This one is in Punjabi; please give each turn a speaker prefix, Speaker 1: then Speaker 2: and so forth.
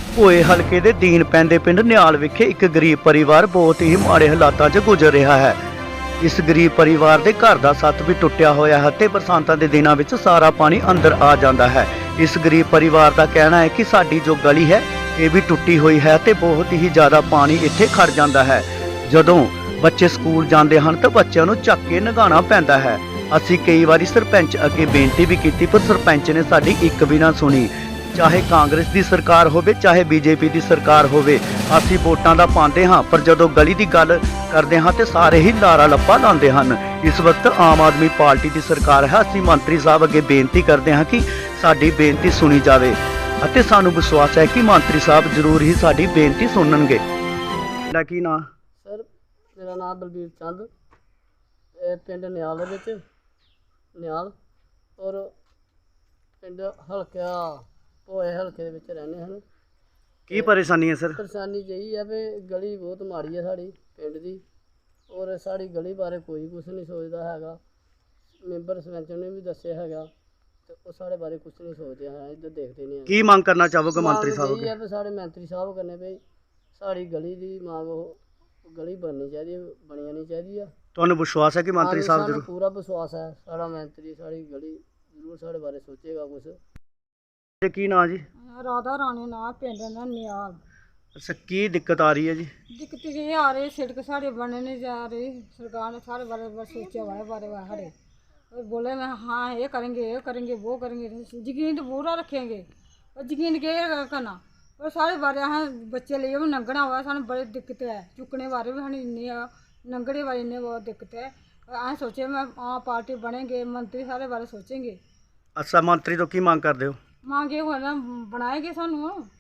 Speaker 1: ਭੋਏ ਹਲਕੇ ਦੇ ਦੀਨ ਪੈਂਦੇ ਪਿੰਡ ਨਿਆਲ ਵਿਖੇ ਇੱਕ ਗਰੀਬ ਪਰਿਵਾਰ ਬਹੁਤ ਹੀ ਮਾੜੇ ਹਾਲਾਤਾਂ 'ਚ ਗੁਜ਼ਰ ਰਿਹਾ ਹੈ। ਇਸ ਗਰੀਬ ਪਰਿਵਾਰ ਦੇ ਘਰ ਦਾ ਛੱਤ ਵੀ ਟੁੱਟਿਆ ਹੋਇਆ ਹੈ ਤੇ ਬਰਸਾਤਾਂ ਦੇ ਦਿਨਾਂ ਵਿੱਚ ਸਾਰਾ ਪਾਣੀ ਅੰਦਰ ਆ ਜਾਂਦਾ ਹੈ। ਇਸ ਗਰੀਬ ਪਰਿਵਾਰ ਦਾ ਕਹਿਣਾ ਹੈ ਕਿ ਸਾਡੀ ਜੋ ਗਲੀ ਹੈ ਇਹ ਵੀ ਟੁੱਟੀ ਹੋਈ ਹੈ ਤੇ ਬਹੁਤ ਹੀ ਜ਼ਿਆਦਾ ਪਾਣੀ ਇੱਥੇ ਖੜ ਜਾਂਦਾ ਹੈ। ਜਦੋਂ ਬੱਚੇ ਸਕੂਲ ਜਾਂਦੇ ਹਨ ਤਾਂ ਬੱਚਿਆਂ ਨੂੰ ਚੱਕ ਕੇ ਨਗਾਉਣਾ ਪੈਂਦਾ ਹੈ। ਅਸੀਂ ਕਈ ਵਾਰੀ ਸਰਪੰਚ ਅੱਗੇ ਬੇਨਤੀ ਵੀ ਕੀਤੀ ਪਰ ਸਰਪੰਚ ਨੇ ਸਾਡੀ ਇੱਕ ਵੀ ਨਾ ਸੁਣੀ। ਚਾਹੇ ਕਾਂਗਰਸ ਦੀ ਸਰਕਾਰ ਹੋਵੇ ਚਾਹੇ ਬੀਜੇਪੀ ਦੀ ਸਰਕਾਰ ਹੋਵੇ, ਅਸੀਂ ਵੋਟਾਂ ਦਾ ਪਾਉਂਦੇ ਹਾਂ ਪਰ ਜਦੋਂ ਗਲੀ ਦੀ ਗੱਲ ਕਰਦੇ ਹਾਂ ਤੇ ਸਾਰੇ ਹੀ ਲਾਰਾ ਲੱਪਾ ਲਾਉਂਦੇ ਹਨ। ਇਸ ਵਕਤ ਆਮ ਆਦਮੀ ਪਾਰਟੀ ਦੀ ਸਰਕਾਰ ਹੈ। ਅਸੀਂ ਮੰਤਰੀ ਸਾਹਿਬ ਅੱਗੇ ਬੇਨਤੀ ਕਰਦੇ ਹਾਂ ਕਿ ਸਾਡੀ ਬੇਨਤੀ ਸੁਣੀ ਜਾਵੇ ਅਤੇ ਸਾਨੂੰ ਵਿਸ਼ਵਾਸ ਹੈ ਕਿ ਮੰਤਰੀ ਸਾਹਿਬ ਜ਼ਰੂਰ ਹੀ ਸਾਡੀ ਬੇਨਤੀ ਸੁਣਨਗੇ। ਤੁਹਾਡਾ ਕੀ ਨਾਂ?
Speaker 2: ਸਰ ਮੇਰਾ ਨਾਮ ਬਲਬੀਰ ਚੰਦ, ਇਹ ਪਿੰਡ ਨਿਆਲ ਦੇ ਵਿੱਚ ਨਿਆਲ ਔਰ ਪਿੰਡ ਹਲਕਾ ਭੋਏ ਹਲਕੇ ਦੇ ਵਿੱਚ ਰਹਿੰਦੇ ਹਨ।
Speaker 1: ਕੀ ਪਰੇਸ਼ਾਨੀ ਹੈ ਸਰ?
Speaker 2: ਪਰੇਸ਼ਾਨੀ ਜਿਹੀ ਹੈ ਵੀ ਗਲੀ ਬਹੁਤ ਮਾੜੀ ਹੈ ਸਾਡੀ ਪਿੰਡ ਦੀ, ਔਰ ਸਾਡੀ ਗਲੀ ਬਾਰੇ ਕੋਈ ਕੁਛ ਨਹੀਂ ਸੋਚਦਾ ਹੈਗਾ। ਮੈਂਬਰ ਸਰਪੰਚ ਨੇ ਵੀ ਦੱਸਿਆ ਹੈਗਾ ਤੇ ਉਹ ਸਾਡੇ ਬਾਰੇ ਕੁਛ ਨਹੀਂ ਸੋਚਦੇ ਹੈ, ਇੱਧਰ ਦੇਖਦੇ ਨਹੀਂ।
Speaker 1: ਕੀ ਮੰਗ ਕਰਨਾ ਚਾਹੋਗੇ ਮੰਤਰੀ ਸਾਹਿਬ
Speaker 2: ਇਹ ਹੈ ਵੀ ਸਾਡੇ ਮੰਤਰੀ ਸਾਹਿਬ ਕਰਨੇ ਵੀ ਸਾਡੀ ਗਲੀ ਦੀ ਮੰਗ ਉਹ ਗਲੀ ਬਣਨੀ ਚਾਹੀਦੀ ਹੈ, ਬਣਨੀ ਨਹੀਂ ਚਾਹੀਦੀ ਆ।
Speaker 1: ਤੁਹਾਨੂੰ ਵਿਸ਼ਵਾਸ ਹੈ ਕਿ ਮੰਤਰੀ ਸਾਹਿਬ
Speaker 2: ਸਾਨੂੰ
Speaker 1: ਜ਼ਰੂਰ?
Speaker 2: ਪੂਰਾ ਵਿਸ਼ਵਾਸ ਹੈ ਸਾਡਾ ਮੰਤਰੀ ਸਾਡੀ ਗਲੀ ਜ਼ਰੂਰ ਸਾਡੇ ਬਾਰੇ ਸੋਚੇਗਾ ਕੁਛ।
Speaker 1: ਤੇ ਕੀ ਨਾਂ ਜੀ?
Speaker 3: ਰਾਧਾ ਰਾਣੀ ਨਾ ਪਿੰਡ ਦਾ ਨਿਆਲ।
Speaker 1: ਅੱਛਾ, ਕੀ ਦਿੱਕਤ ਆ ਰਹੀ ਹੈ ਜੀ?
Speaker 3: ਦਿੱਕਤ ਇਹ ਆ ਰਹੀ ਸੜਕ साढ़े बनने नहीं जा रही। सरकार ने सारे बारे बारे सोचा हुआ है बारे बारे हरे और बोले मैं हाँ ये करेंगे वो करेंगे, यकीन तो पूरा रखेंगे और यकीन के करना और सारे बारे अस बच्चे लिए भी लंघना हुआ सानू बड़ी दिक्कत है। चुकने बारे भी सानू इन्नी लंघने बारे इन्नी बहुत दिक्कत है। अस सोचे मैं हाँ पार्टी बनेंगे, मंत्री सारे बारे सोचेंगे।
Speaker 1: ਅੱਛਾ, ਮੰਤਰੀ ਤੋਂ ਕੀ ਮੰਗ ਕਰਦੇ ਹੋ?
Speaker 3: मांगे हो ना बनाएंगे सानू